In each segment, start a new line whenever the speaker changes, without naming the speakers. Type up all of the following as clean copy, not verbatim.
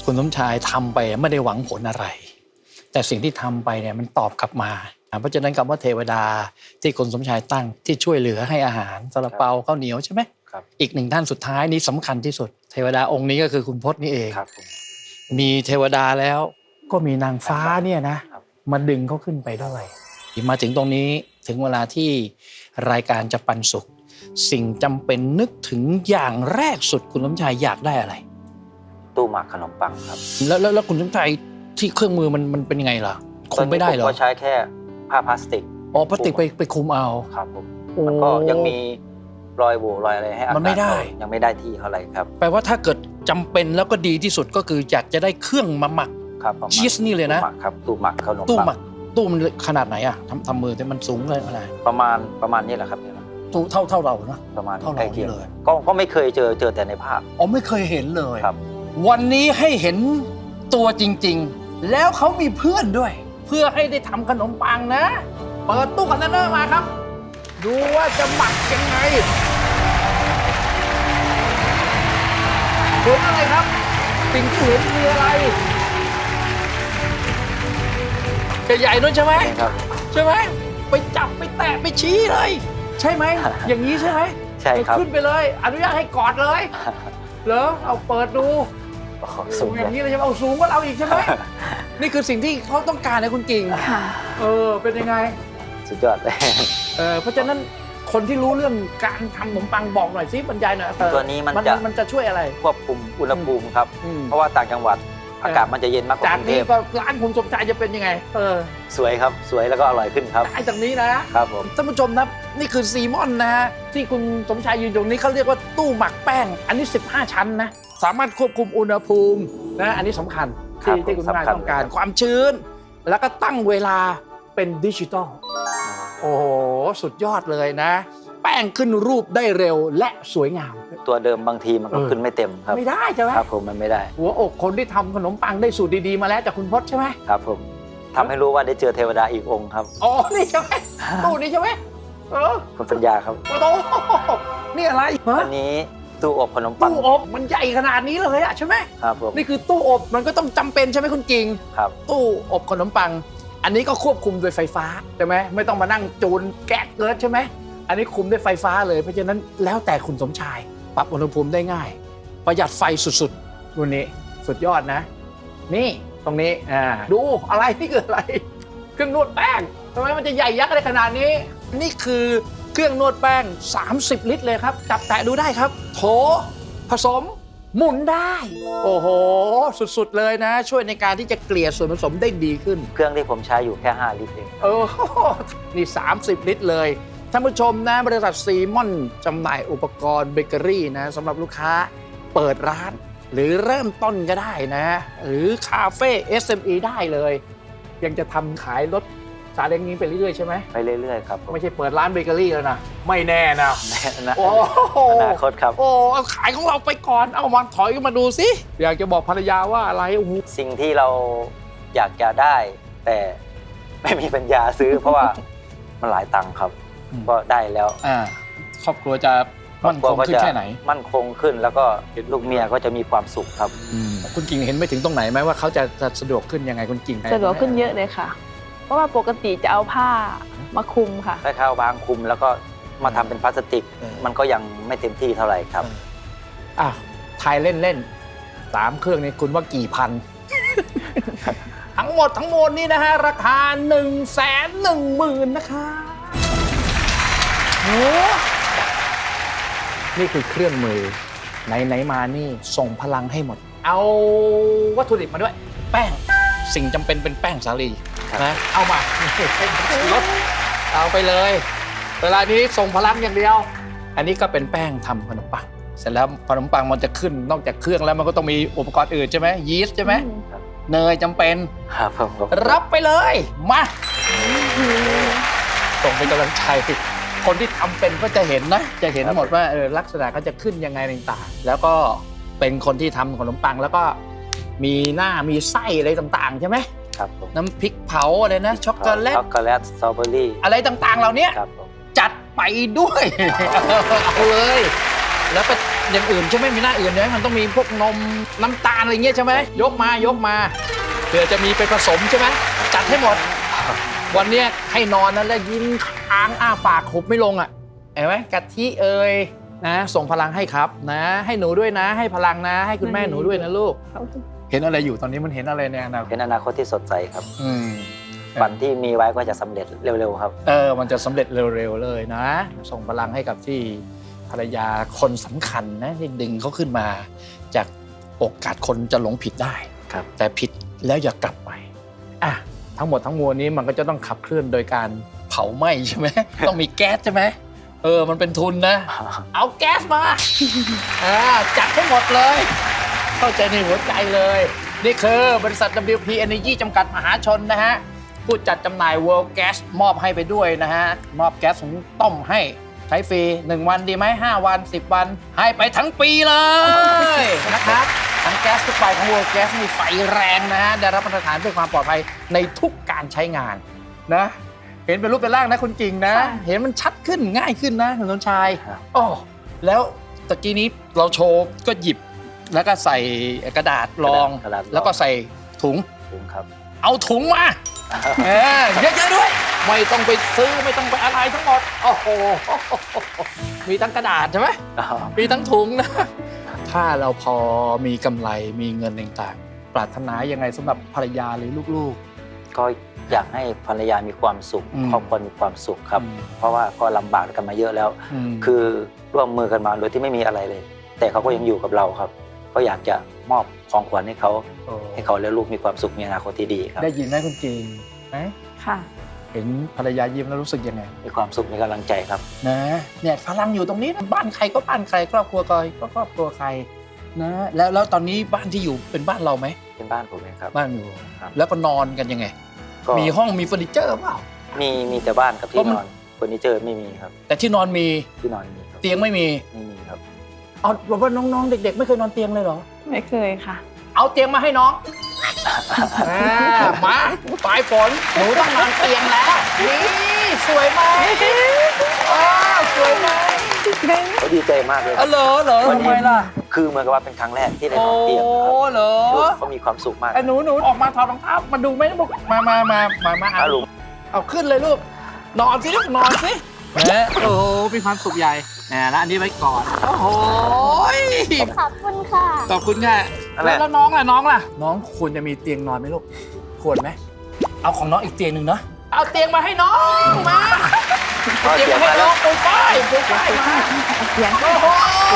คุณสมชายทำไปไม่ได้หวังผลอะไรแต่สิ่งที่ทำไปเนี่ยมันตอบกลับมาเพราะฉะนั้นคำว่าเทวดาที่คุณสมชายตั้งที่ช่วยเหลือให้อาหารซาลาเปาข้าวเหนียวใช่ไหม
ครับ
อีกหนึ่งท่านสุดท้ายนี้สำคัญที่สุดเทวดาองค์นี้ก็คือคุณพจน์นี่เอง
ครับผม
มีเทวดาแล้วก็มีนางฟ้าเนี่ยนะมาดึงเขาขึ้นไปด้วยมาถึงตรงนี้ถึงเวลาที่รายการจะปันสุขสิ่งจำเป็นนึกถึงอย่างแรกสุดคุณสมชายอยากได้อะไร
ตู้หมักขนมปังครับ
แล้วคุณสมชายที่เครื่องมือมันเป็นยังไงล่ะคุมไม่ได้เหรอ
ผมก็ใช้แค่ผ้าพลาสติก
อ๋อพลาสติกไปคุมเอา
ครับผมมันก็ยังมีรอยโหว่รอยอะไรให้อากาศ
มันไม่ได้
ยังไม่ได้ที่เท่าไหร่ครับ
แปลว่าถ้าเกิดจำเป็นแล้วก็ดีที่สุดก็คืออยากจะได้เครื่องมาหมัก
ครับ
ชีสนี่เลยนะ
ตู้หมักขนมปัง
ตู้หมักตู้มันขนาดไหนอะทำมือแต่มันสูงเลยอะไร
ประมาณนี้แหละครับนี่แหละ
ตู้เท่าเราเนาะ
ประมาณ
เท่าเราเลย
ก็ไม่เคยเจอแต่ในภาพ
อ๋อไม่เคยเห็นเลย
ครับ
วันนี้ให้เห็นตัวจริงๆแล้วเขามีเพื่อนด้วยเพื่อให้ได้ทำขนมปังนะเปิดตู้คอนเทนเนอร์มาครับดูว่าจะหมักยังไงเห็นอะไรครับสิ่งที่เห็นคืออะไรใหญ่ๆด้วยใช่ไหม
ครับ
ใช่ไหมไปจับไปแตะไปชี้เลยใช่ไหม อย่างนี้ใช่ไหม
ใช่ครับ
ขึ้นไปเลยอนุญาตให้กอดเลยเหรอเอาเปิดดู
สูง
อย่างนี้เลยใช่ไหมเอาสูงกว่าเราอีกใช่ไหม นี่คือสิ่งที่เขาต้องการนะคุณกิ่ง
ค่ะ
เป็นยังไง
สุดยอดเลย
เพราะฉะนั้นคนที่รู้เรื่องการทำขนมปังบอกหน่อยสิบรรยายหน่อย
ตัวนี้
มันจะช่วยอะไร
ควบคุมอุณหภูมิครับเพราะว่าต่างจังหวัดอากาศมันจะเย็นมากกว่า
จาก
กรุงเท
นี้
พ
ก็ร้านคุณสมชายจะเป็นยังไง
สวยครับสวยแล้วก็อร่อยขึ้นครับ
ได้จากนี้นะครับ
ผม
ท่านผู้ชมนะนี่คือซีมอนนะฮะที่คุณสมชายยืนตรงนี้เขาเรียกว่าตู้หมักแป้งอันนี้15ชั้นนะสามารถควบคุมอุณหภูมินะอันนี้สำคัญที่คุณสมชายต้องการความชื้นแล้วก็ตั้งเวลาเป็นดิจิตอลโอ้โหสุดยอดเลยนะแป้งขึ้นรูปได้เร็วและสวยงาม
ตัวเดิมบางทีมันก็ขึ้นไม่เต็มครับ
ไม่ได้ใช่ไหม
ครับผมมันไม่ได้
หัวอกคนที่ทำขนมปังได้สูตรดีๆมาแล้วจากคุณพจน์ใช่ไหม
ครับผมทำให้รู้ว่าได้เจอเทวดาอีกองค์ครับ
อ๋อนี่ใช่ไหมตู้นี้ใช่ไหม
คุณปัญญาครับ
โอ้โหนี่อะไร
อันนี้ตู้อบขนมปัง
ตู้อบมันใหญ่ขนาดนี้เลยอะใช่ไหม
ครับผม
นี่คือตู้อบมันก็ต้องจำเป็นใช่ไหมคุณกิ่ง
ครับ
ตู้อบขนมปังอันนี้ก็ควบคุมโดยไฟฟ้าใช่ไหมไม่ต้องมานั่งจูนแก๊สเกิร์ดใช่ไหมอันนี้คุมด้วยไฟฟ้าเลยเพราะฉะนั้นแล้วแต่คุณสมชายปรับอุณหภูมิได้ง่ายประหยัดไฟสุดๆรุ่นนี้สุดยอดนะนี่ตรงนี้ดูอะไรนี่คืออะไรเครื่องนวดแป้งทำไมมันจะใหญ่ยักษ์อะไรขนาดนี้นี่คือเครื่องนวดแป้ง30 ลิตรเลยครับจับแตะดูได้ครับโถผสมหมุนได้โอ้โหสุดๆเลยนะช่วยในการที่จะเกลี่ยส่วนผสมได้ดีขึ้น
เครื่องที่ผมใช้อยู่แค่5 ลิตรเอง
นี่30 ลิตรเลยท่านผู้ชมนะบริษัทซีมอนจำหน่ายอุปกรณ์เบเกอรี่นะสำหรับลูกค้าเปิดร้านหรือเริ่มต้นก็ได้นะหรือคาเฟ่ SME ได้เลยยังจะทำขายรถซาเล้งนี้ไปเรื่อยๆใช่ไหม
ไปเรื่อยๆครับ
ไม่ใช่เปิดร้านเบเกอรี่แล้วนะไม่แน่นะ
โอ้อนาคตครับ
โอ้เอาขายของเราไปก่อนเอามาถอยมาดูสิอยากจะบอกภรรยาว่าอะไร
สิ่งที่เราอยากจะได้แต่ไม่มีปัญญาซื้อเพราะว่ามันหลายตังค์ครับก็ได้แล้ว
ครอบครัวจะมั่นคงขึ้นแค่ไหน
มั่นคงขึ้นแล้วก็ลูกเมียก็จะมีความสุขครับ
คุณกิ่งเห็นไปถึงตรงไหนไหมว่าเขาจะสะดวกขึ้นยังไงคุณกิ่ง
สะดวกขึ้นเยอะเลยค่ะเพราะว่าปกติจะเอาผ้ามาคลุมค่ะ
ถ้าเอาบางคลุมแล้วก็มาทำเป็นพลาสติกมันก็ยังไม่เต็มที่เท่าไหร่ครับ
ทายเล่นๆ3 เครื่องนี้คุณว่ากี่พัน ทั้งหมดนี่นะฮะราคา110,000นะคะโอ้นี่คือเครื่องมือไหนมานี่ส่งพลังให้หมดเอาวัตถุดิบมาด้วยแป้งสิ่งจำเป็นเป็นแป้งสาลีนะเอามารถเอาไปเลยเวลานี้ส่งพลังอย่างเดียวอันนี้ก็เป็นแป้งทำขนมปังเสร็จแล้วขนมปังมันจะขึ้นนอกจากเครื่องแล้วมันก็ต้องมีอุปกรณ์อื่นใช่ไหมยีสต์ใช่ไหมเนยจำเป็นรับไปเลยมาส่งเป็นกำลังใจคนที่ทำเป็นก็จะเห็นนะจะเห็นหมดว่าลักษณะเขาจะขึ้นยังไงต่างๆแล้วก็เป็นคนที่ทำขนมปังแล้วก็มีหน้ามีไส้อะไรต่างๆใช่ไหม
ครับ
น้ำพริกเผาอะไรนะช็อกโกแลต
สตรอเบอรี่
อะไรต่างๆเหล่านี้จัดไปด้วยเอาเลยแล้วก็อย่างอื่นใช่ไหมมีหน้าอื่นใช่ไหมมันต้องมีพวกนมน้ำตาลอะไรเงี้ยใช่ไหมยกมาเผื่อจะมีไปผสมใช่ไหมจัดให้หมด วันเนี้ยให้นอนนะแล้วยิ้มค้างอ้าปากหุบไม่ลงอ่ะเห็นไหมกะทิเอ่ยนะส่งพลังให้ครับนะให้หนูด้วยนะ ให้พลังนะ ให้คุณแม่หนูด้วยนะลูก เห็นอะไรอยู่ตอนนี้มันเห็นอะไรในอนาคต
เป็นอนาคตที่สดใสครับ
อืม
ฝันที่มีไว้ก็จะสำเร็จเร็วๆครับ
มันจะสำเร็จเร็วๆเลยนะ ส่งพลังให้กับที่ภรรยาคนสำคัญนะที่ดึงเขาขึ้นมา จากโอกาสคนจะหลงผิดได้
ครับ
แต่ผิดแล้วอย่ากลับไปอ่ะทั้งหมดทั้งมวลนี้มันก็จะต้องขับเคลื่อนโดยการเผาไหม้ใช่ไหม ต้องมีแก๊สใช่ไหมมันเป็นทุนนะ เอาแก๊สมา จัดให้หมดเลย เข้าใจในหัวใจเลย นี่คือบริษัท WP Energy จำกัดมหาชนนะฮะ ผู้จัดจำหน่าย World Gas มอบให้ไปด้วยนะฮะ มอบแก๊สหุงต้มให้ใช้ฟรี 1 วันดีไหม 5 วัน 10 วัน ให้ไปทั้งปีเลยนะครับ ทั้งแก๊สทุกใบของ World Gas มีไฟแรงนะฮะ ได้รับมาตรฐานเพื่อความปลอดภัยในทุกการใช้งานนะ เห็นเป็นรูปเป็นร่างนะคุณจริงนะ เห็นมันชัดขึ้นง่ายขึ้นนะคุณสมชาย
ครับ
อ๋อแล้วตะกี้นี้เราโชว์ก็หยิบแล้วก็ใส่กระดาษรอง
กระดาษรอง
แล้วก็ใส่ถุง
ถุงครับ
เอาถุงมาเยอะๆด้วย ไม่ต้องไปซื้อไม่ต้องไปอะไรทั้งหมด โอ้โห มีทั้งกระดาษใช่ไหมมีทั้งถุงนะ ถ้าเราพอมีกำไรมีเงินต่างๆ ปรารถนายังไงสำหรับภรรยาหรือลูก
ก็อยากให้ภรรยามีความสุข
อืม
ครอบครัวมีความสุขครับ เพราะว่าก็ลำบากกันมาเยอะแล้ว
ม
คือร่วมมือกันมาโดยที่ไม่มีอะไรเลย แต่เขาก็ยังอยู่กับเราครับ ก็อยากจะมอบของขวัญให้เขาและลูกมีความสุขมีอนาคตที่ดีครับ
ได้ยินไหมคุณจริงไหม
ค่ะ
เห็นภรรยายิ้มแล้วรู้สึกยังไง
มีความสุขมีกำลังใจครับ
นะเนี่ยพลังอยู่ตรงนี้นะบ้านใครก็บ้านใครครอบครัวใครก็ครอบครัวใครนะแล้วตอนนี้บ้านที่อยู่เป็นบ้านเราไหม
เป็นบ้านผมเองครับ
บ้านอยู่
ครับ
แล้วก็นอนกันยังไง
ก็
มีห้องมีเฟอร์นิเจอร์เปล่า
มีแต่บ้านกับ
เพ
ที่
ราะมัน
นอนเฟอร์นิเจอร์ไม่มีครับ
แต่ที่นอนมี
ที่นอนมีครับ
เตียงไม่มี
ไม่มีครับ
เอาบอกว่าน้องๆเด็ก ๆ ไม่เคยนอนเตียงเลยเหรอ
ไม่เคยค่ะ
เอาเตียงมาให้น้องมาปลายฝนหนูต้องนอนเตียงแล้วนี่สวยไหมสวยไหม
เขาดีใจมากเลย
เหรอทำไมล่ะ
คือเหมือนกับว่าเป็นครั้งแรกที่ได้
โอ้
นอนเตียงนะครับ
เหรอ
ลูกเขามีความสุขมาก
ไอ้หนูออกมาถอดรองเท้ามาดูไหมลูกมา
ลุง
เอาขึ้นเลยลูกนอนสิลูกนอนสิโอ้โหมีความสุขใหญ่แล้วอันนี้ไว้ก่อนโอ้โห
ขอบคุณค่ะ
ขอบคุณค่ะแล้วน้องล่ะน้องควรจะมีเตียงนอนไหมลูกควรไหมเอาของน้องอีกเตียงหนึ่งเนาะเอาเตียงมาให้น้องมาเอาเตียงมาให้น้องปูฝ้ายมา
เสียง
โอ้โห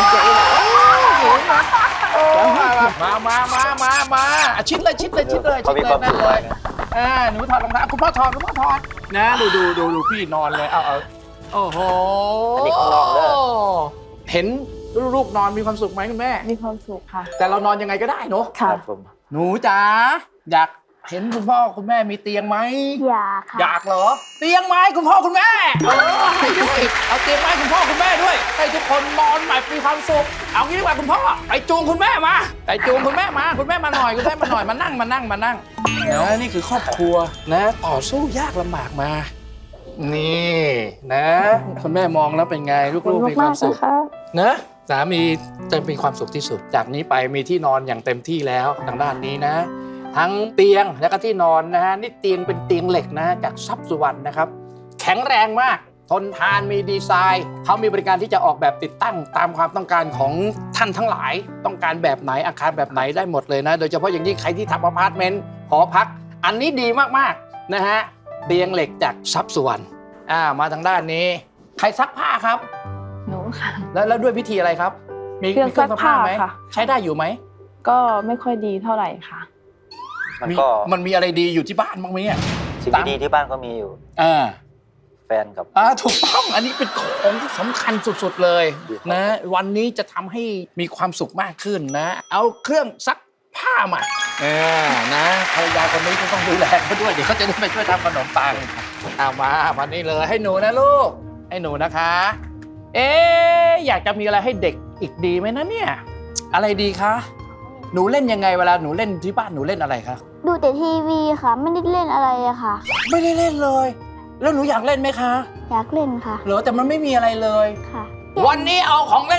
มาชิดเลย
เขามีความสุขมากนะ
หนูถอดรองเท้าคุณพ่อถอดนะดูพี่นอนเลยเอาโอ้โห
อันนี้ของน้องเด้อ
เห็นลูกนอนมีความสุขไหมคุณแม่
มีความสุขค่ะ
แต่เรานอนยังไงก็ได้เนอะ
ค่ะ
ครับผม
หนูจ๋าอยากเห็นคุณพ่อคุณแม่มีเตียงไหม
อยากค่ะ
อยากเหรอ เตียงไม้คุณพ่อคุณแม่ให้ด้วยเอาเตียงไม้คุณพ่อคุณแม่ด้วยให้ทุกคนนอนแบบมีความสุขเอางี้ดีกว่าคุณพ่อไปจูงคุณแม่มาคุณแม่มาหน่อยมานั่งนี่คือครอบครัวนะ ต่อสู้ยากลำบากมา นี่นะคุณแม่มองแล้วเป็นไงลูกๆมีความสุขนะสามีจะมีความสุขที่สุดจากนี้ไปมีที่นอนอย่างเต็มที่แล้วทางด้านนี้นะ ทั้งเตียงและก็ที่นอนนะฮะนี่เตียงเป็นเตียงเหล็กนะจากทรัพย์สุวรรณนะครับแข็งแรงมากทนทานมีดีไซน์เขามีบริการที่จะออกแบบติดตั้งตามความต้องการของท่านทั้งหลายต้องการแบบไหนอาคารแบบไหนได้หมดเลยนะโดยเฉพาะอย่างยิ่งใครที่ทำอพาร์ตเมนต์หอพักอันนี้ดีมากๆนะฮะเตียงเหล็กจากทรัพย์สุวรรณมาทางด้านนี้ใครซักผ้าครับ
หนูค่ะ
แล้วด้วยวิธีอะไรครับมี
เครื่องซักผ้า
ไหม
ค่ะ
ใช้ได้อยู่ไหม
ก็ไม่ค่อยดีเท่าไหร่ค่ะ
มันมีอะไรดีอยู่ที่บ้านบ้างไหมเนี่ย
สิ่งดีๆที่บ้านก็มีอยู่ แฟนกับ
ถูกต้องอันนี้เป็นของที่สำคัญสุดๆเลยนะ วันนี้จะทำให้มีความสุขมากขึ้นนะ เอาเครื่องซักผ้ามานะภรรยาคนนี้ก็ต้องดูแลเขาด้วยเดี๋ยวเขาจะได้ไปช่วยทำขนมปังเอามาวันนี้เลยให้หนูนะลูกให้หนูนะคะ อยากจะมีอะไรให้เด็กอีกดีไหมนะเนี่ยอะไรดีคะหนูเล่นยังไงเวลาหนูเล่นที่บ้านหนูเล่นอะไรคะ
ดูแต่ทีวีค่ะ ไม่ได้เล่นอะไรอะค่ะ
ไม่ได้เล่นเลย แล้วหนูอยากเล่นไหมคะ
อยากเล่นค่ะ
เหรอแต่มันไม่มีอะไรเลย
ค่ะ
วันนี้เอาของเล่นมาให้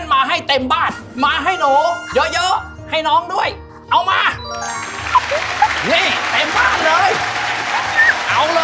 เต็มบ้าน มาให้หนูเยอะๆให้น้องด้วย เอามา นี่เต็มบ้านเลย เอาเลย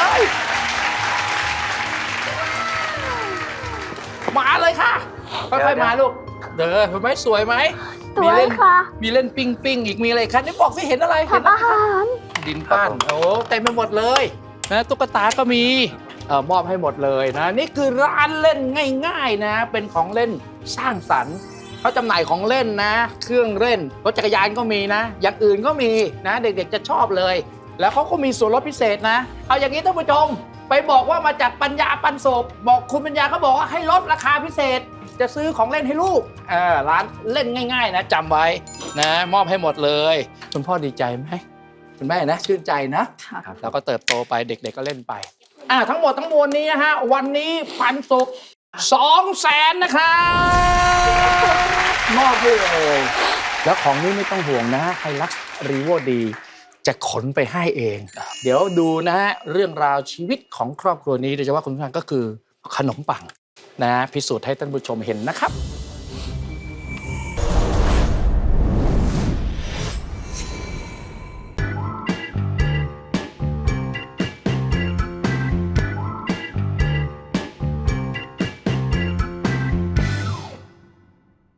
มาเลยค่ะค่อยๆมาลูกเด้อเห็นไหมสวยไหม
สวย
มีเล่น
ค่ะ
มีเล่นปิ้งอีกมีอะไรคะนี่บอกสิเห็นอะไรเห็น
ทำอาหาร
ดินปั้นโอ้เต็มไปหมดเลยนะตุ๊กตาก็มีมอบให้หมดเลยนะนี่คือร้านเล่นง่ายๆนะเป็นของเล่นสร้างสรรค์เขาจำหน่ายของเล่นนะ เครื่องเล่นรถจักรยานก็มีนะ อย่างอื่นก็มีนะเด็กๆจะชอบเลย แล้วเขาก็มีส่วนลดพิเศษนะเอาอย่างนี้ท่านผู้ชมไปบอกว่ามาจากปัญญาปันสุขบอกคุณปัญญาเขาบอกว่าให้ลดราคาพิเศษ จะซื้อของเล่นให้ลูกร้านเล่นง่ายๆนะจำไว้นะมอบให้หมดเลยคุณพ่อดีใจไหมคุณแม่นะชื่นใจนะ
ค่ะ
แล้วก็เติบโตไปเด็กๆก็เล่นไปทั้งหมดทั้งมวลนี้ฮะวันนี้ปันสุข200,000นะครับมอบให้เลยแล้วของนี้ไม่ต้องห่วงนะไฮลักซ์รีโวดีจะขนไปให้เอง เดี๋ยวดูนะฮะเรื่องราวชีวิตของครอบครัวนี้โดยเฉพาะคุณผู้ชมก็คือขนมปังนะพิสูจน์ให้ท่านผู้ชมเห็นนะครับ